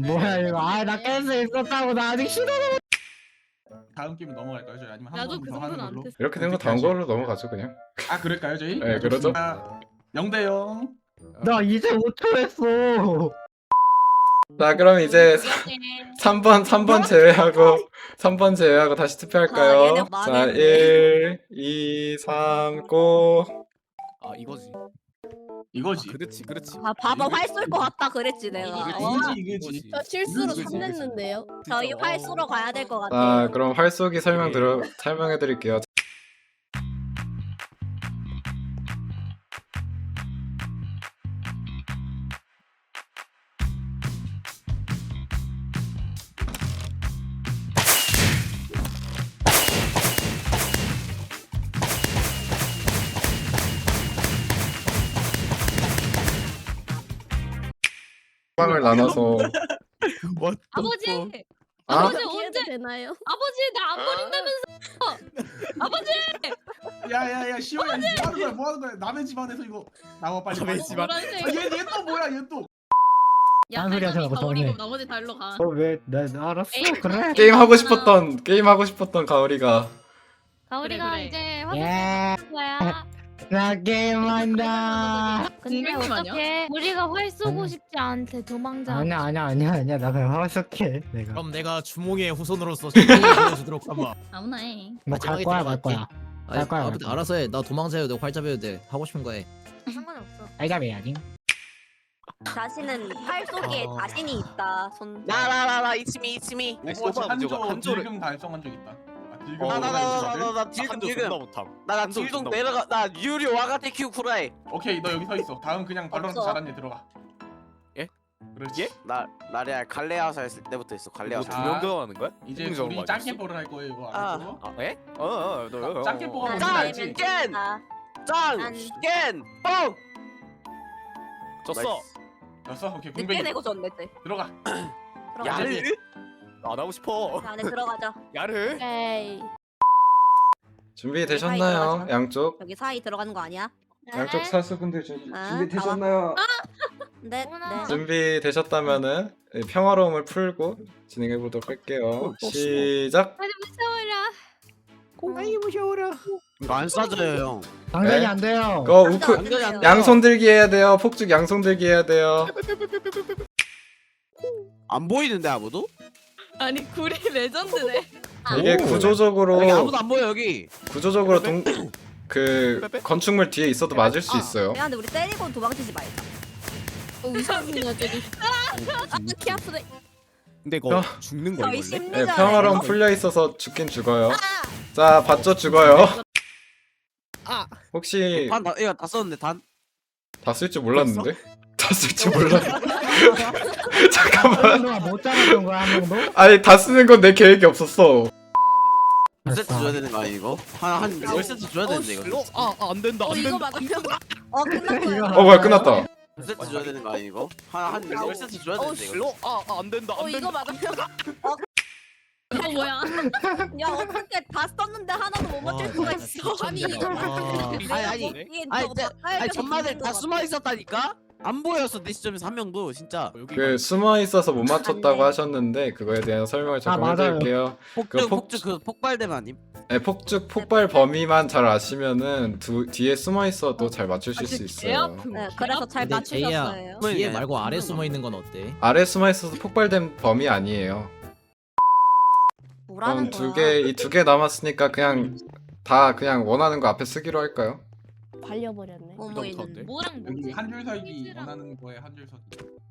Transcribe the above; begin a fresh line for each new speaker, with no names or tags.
뭐야 이거? 아 나 깰 수 있었다고 나 아직 시도.
다음 게임 넘어갈까요 저희? 아니면 한
나도
번
그
더 하는
정도는 안
걸로?
됐어.
이렇게 된 거 다음 걸로 넘어가죠 그냥.
아 그럴까요 저희?
네, 그러죠.
0대 0.
나 이제 5초 했어.
자 그럼 이제 3번 제외하고 다시
아,
투표할까요?
얘네
자
망했네.
1, 2, 3, 고.
아 이거지.
이거지.
그렇지 그렇지.
아 봐봐 활 쏠 것 같다 그랬지 내가.
이거지.
저 실수로
이거지,
3 냈는데요.
저희 활 쏘러 가야 될 것
자
같아요.
그럼 활쏘기 설명해드릴게요. 빵을 나눠서
아버지!
아?
아버지
네.
언제
되나요?
아버지 나 안 버린다면서 아버지!
야야야 시호야 뭐 하는 거야? 뭐 하는 거야? 남의 집안에서 이거 나와 빨리.
남의
빨리.
집안.
노란색
얘또 뭐야 얘 또?
야
딴 소리 하지 말고
버리고
정해.
나머지 달로 가.
어왜나 알았어
에이,
그래.
게임 하고 싶었던 가오리가
가오리가 그래.
네.
이제
예.
확인할 거야.
나 게임한다.
근데 어떻게 우리가 활 쏘고 싶지 않대 도망자.
아니야 나 그냥 하숙해 내가.
그럼 내가 주몽이의 후손으로서 보여주도록 한번.
아무나 해.
뭐갈 거야 갈 거야. 갈 거야. 갈 거야.
알아서 해. 나 도망자여도 돼. 활잡여도 돼. 하고 싶은 거 해.
상관없어.
알잡해야지.
자신은 활 쏘기에 자신이 있다. 손.
나나나나 이치미
오버워치 한조
한조를
딜금 달성한 적 있다. 딜금
나나나나나 딜금 나나 딜동 내려가 나 유료 와가테 큐 쿠라이
오케이 너 여기 서 있어. 다음 그냥 발로란트
없어.
잘한 애 들어가.
예?
그렇지.
나 나래야 갈레아서 했을 때부터 있어 갈레아서
자,
두명 들어가는 거야?
이제
공정으로
우리
맞았어?
짱깨볼을 할 거예요 이거
아.
알고?
아 예? 너
짱깨뽀가 뭔지
난
알지?
알면
깬!
된다.
짱깬 뻥
졌어.
됐어? 오케이
늦게
공백이
내고 졌네.
들어가.
들어가자.
야르
안 하고 싶어.
자, 안에 들어가자.
야르.
에이.
준비되셨나요? 양쪽
여기 사이 들어가는 거 아니야?
양쪽 사수분들
아,
준비되셨나요?
네.
어머나.
준비되셨다면 평화로움을 풀고 진행해 보도록 할게요. 시작.
빨리 무서워라.
이거 안 싸져요 형
당연히
네?
안 돼요.
거
남자
우크
어딘데요?
양손 들기 해야 돼요. 폭죽 양손 들기 해야 돼요.
안 보이는데 아무도?
아니 구리 레전드네.
이게 구조적으로
여기 아무도 안 보여 여기
그 건축물 뒤에 있어도 맞을 수 있어요.
야, 근데 우리 때리고 도망치지 말자.
의사분 여자리.
키 아프네.
근데 이거
어.
죽는 거
저희
이걸래?
심리전.
네, 평화로움 풀려 있어서 죽긴 죽어요. 자, 봤죠? 죽어요. 혹시
이거 다 썼는데 단
다 쓸 줄 몰랐는데? 다 쓸 줄 몰랐. 잠깐만.
한 명도 못 잡았던 거야 한 명도?
아니 다 쓰는 건 내 계획이 없었어.
몇 세트 줘야 되는 거 아니 이거? 한 10세트 줘야 되는데 이거
안 된다. 안
이거
된다.
맞으면 끝났어요.
이거
뭐야 끝났다.
10세트 줘야 되는 거 아니 이거? 한 10세트 줘야 되는데 이거
안 된다. 안 된다.
이거 맞으면
이거 뭐야?
야, 어떻게 다 썼는데 하나도 못 맞출 수가 있어. 아니 이거
아니
이게
아니,
저거
진짜-
바꿔야
아니
돼서
전마들
있는
다
거
숨어 있었다니까? 안 보였어 내 시점에서 한 명도 진짜
그 숨어 있어서 못 맞췄다고
안 돼.
하셨는데 그거에 대한 설명을 조금
맞아요.
해드릴게요.
폭죽 그 폭발되면 아님?
네, 폭죽 폭발 범위만 잘 아시면은 뒤에 숨어 있어도 잘 맞추실 수 있어요.
네, 그래서 잘
근데 제이야,
맞추셨어요.
뒤에 말고 아래 숨어 있는 건 어때?
아래 숨어 있어서 폭발된 범위 아니에요.
뭐라는
그럼
거야?
이 두 개 남았으니까 그냥 다 그냥 원하는 거 앞에 쓰기로 할까요?
발려버렸네.
뭐뭐 있는데?
뭐랑
여기
뭐지?
한 줄 서기 원하는 거에 한 줄 서기.